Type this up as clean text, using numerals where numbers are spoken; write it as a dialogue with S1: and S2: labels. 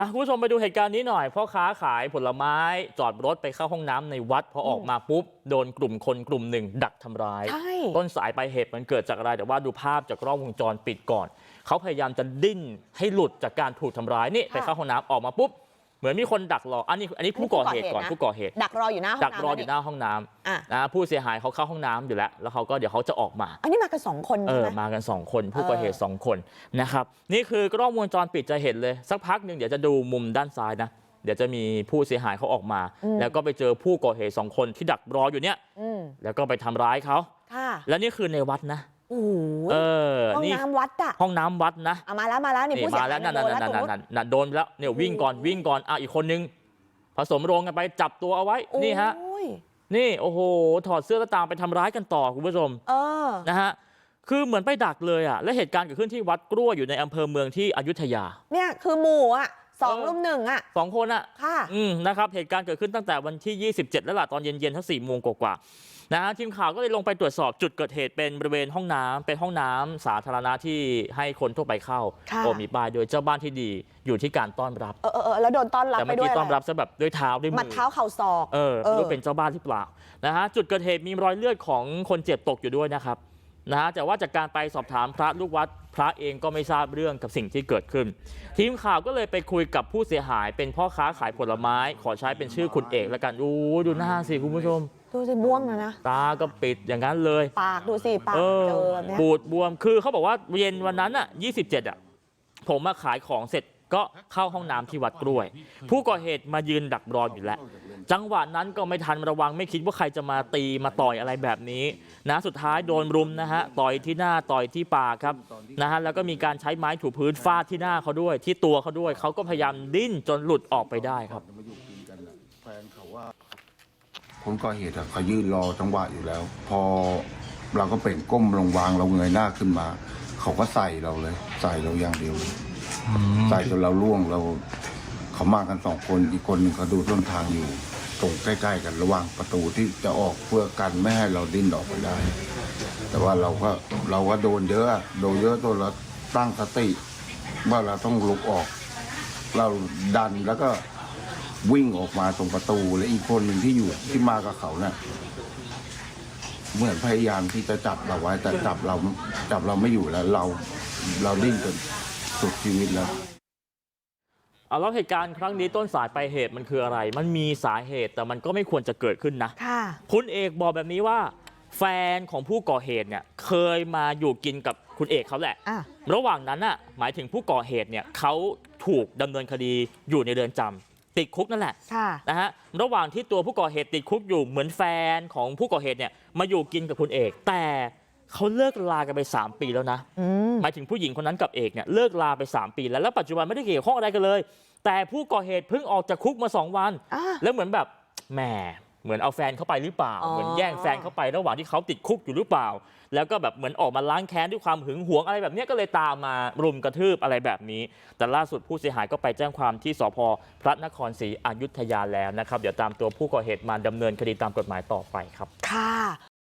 S1: คุณผู้ชมไปดูเหตุการณ์นี้หน่อยพ่อค้าขายผลไม้จอดรถไปเข้าห้องน้ำในวัดพอออกมาปุ๊บโดนกลุ่มคนกลุ่มหนึ่งดักทำร้ายต้นสายปลายเหตุมันเกิดจากอะไรแต่ว่าดูภาพจากกล้องวงจรปิดก่อนเขาพยายามจะดิ้นให้หลุดจากการถูกทำร้ายนี่ไปเข้าห้องน้ำออกมาปุ๊บเหมือนมีคนดักรออันนี้ผู้ก่อเหตุก่อนผู้ก่อเหตุ
S2: ดักรออยู่หน้าห้องน้ำ
S1: ดักรออยู่หน้าห้องน้ำนะผู้เสียหายเขาเข้าห้องน้ำอยู่แล้วเขาก็เดี๋ยวเขาจะออกมา
S2: อันนี้มากัน2 คน
S1: มากัน2 คนผู้ก่อเหตุ2 คนนะครับนี่คือกล้องวงจรปิดจะเห็นเลยสักพักหนึ่งเดี๋ยวจะดูมุมด้านซ้ายนะเดี๋ยวจะมีผู้เสียหายเขาออกมาแล้วก็ไปเจอผู้ก่อเหตุ2 คนที่ดักรออยู่เนี่ยแล้วก็ไปทำร้ายเขาแล้วนี่คือในวัดนะ
S2: ห้องน้ำวัดอะ
S1: ห้องน้ำวัดนะ
S2: มาแล้วนี่ผู้เสียหาย
S1: นั่นโดนแล้วเนี่ยวิ่งก่อนอีกคนนึงผสมโรงกันไปจับตัวเอาไว้นี่ฮะนี่โอ้โหถอดเสื้อแล้วตามไปทำร้ายกันต่อคุณผู้ชมนะฮะคือเหมือนไปดักเลยอ่ะและเหตุการณ์เกิดขึ้นที่วัดกล้วยอยู่ในอำเภอเมืองที่อยุธยา
S2: เนี่ยคือหมู่อ่ะ2 รุม 1อ่ะ
S1: 2 คนอ่ะนะครับเหตุการณ์เกิดขึ้นตั้งแต่วันที่27แล้วล่ะตอนเย็นๆทั้ง4 โมงกว่านะฮะทีมข่าวก็เลยลงไปตรวจสอบจุดเกิดเหตุเป็นบริเวณห้องน้ำเป็นห้องน้ำสาธารณะที่ให้คนทั่วไปเข้ามีป้ายโดยเจ้าบ้านที่ดีอยู่ที่การต้อนรับ
S2: แล้วโดนต้อนรับไปด้วย
S1: แต่เมื่อกี้ต้อนรับซะแบบด้วยเท้าด้วยมือ
S2: มัดเท้าเข่าศอก
S1: ไม่รู้เป็นเจ้าบ้านหรือเปล่านะฮะจุดเกิดเหตุมีรอยเลือดของคนเจ็บตกอยู่ด้วยนะครับนะฮะแต่ว่าจากการไปสอบถามพระลูกวัดพระเองก็ไม่ทราบเรื่องกับสิ่งที่เกิดขึ้นทีมข่าวก็เลยไปคุยกับผู้เสียหายเป็นพ่อค้าขายผลไม้ขอใช้เป็นชื่อคุณเอกแล้วกันดูหน้าสิคุณผู้ชม
S2: ดูสิบวมนะ
S1: ตาก็ปิดอย่างนั้นเลย
S2: ปากดูสิปากเจอแบบนี้
S1: ปูดบวมคือเขาบอกว่าเย็นวันนั้นอ่ะ27อ่ะผมมาขายของเสร็จก็เข้าห้องน้ำที่วัดกล้วยผู้ก่อเหตุมายืนดักรออยู่แล้วจังหวะนั้นก็ไม่ทันระวังไม่คิดว่าใครจะมาตีมาต่อยอะไรแบบนี้นะสุดท้ายโดนรุมนะฮะต่อยที่หน้าต่อยที่ปากครับนะฮะแล้วก็มีการใช้ไม้ถูพื้นฟาดที่หน้าเขาด้วยที่ตัวเขาด้วยเขาก็พยายามดิ้นจนหลุดออกไปได้ครับ
S3: คนก่อเหตุเขายืนรอจังหวะอยู่แล้วพอเราก็เป็นก้มลงวางเราเงยหน้าขึ้นมาเขาก็ใส่เราเลยใส่เราอย่างเดียวใส่จนเราล่วงเราเขามากัน2 คนอีกคนหนึ่งเขาดูต้นทางอยู่ตรงใกล้ๆกันระหว่างประตูที่จะออกเพื่อกันไม่ให้เราดิ้นออกไปได้แต่ว่าเราก็โดนเยอะตัวเราตั้งสติว่าเราต้องลุกออกเราดันแล้วก็วิ่งออกมาตรงประตูและอีกคนหนึ่งที่มากับเขาเนี่ยเหมือนพยายามที่จะจับเราไว้แต่จับเราไม่อยู่แล้วเราดิ้นจนสุดชีวิตแล้ว
S1: แล้วเหตุการณ์ครั้งนี้ต้นสายปลายเหตุมันคืออะไรมันมีสาเหตุแต่มันก็ไม่ควรจะเกิดขึ้นนะคุณเอกบอกแบบนี้ว่าแฟนของผู้ก่อเหตุเนี่ยเคยมาอยู่กินกับคุณเอกเขาแหละระหว่างนั้นน่ะหมายถึงผู้ก่อเหตุเนี่ยเขาถูกดำเนินคดีอยู่ในเรือนจำติดคุกนั่นแหละนะฮะระหว่างที่ตัวผู้ก่อเหตุติดคุกอยู่เหมือนแฟนของผู้ก่อเหตุเนี่ยมาอยู่กินกับคุณเอกแต่เขาเลิกลากันไป3 ปีแล้วนะหมายถึงผู้หญิงคนนั้นกับเอกเนี่ยเลิกลาไป3 ปีแล้วปัจจุบันไม่ได้เกี่ยวข้องอะไรกันเลยแต่ผู้ก่อเหตุเพิ่งออกจากคุกมา2 วันแล้วเหมือนแบบแหมเหมือนเอาแฟนเข้าไปหรือเปล่าเหมือนแย่งแฟนเข้าไประหว่างที่เขาติดคุกอยู่หรือเปล่าแล้วก็แบบเหมือนออกมาล้างแค้นด้วยความหึงหวงอะไรแบบนี้ก็เลยตามมารุมกระทืบอะไรแบบนี้แต่ล่าสุดผู้เสียหายก็ไปแจ้งความที่สภ.พระนครศรีอยุธยาแล้วนะครับเดี๋ยวตามตัวผู้ก่อเหตุมาดำเนินคดีตามกฎหมายต่อไปครับ
S2: ค่ะ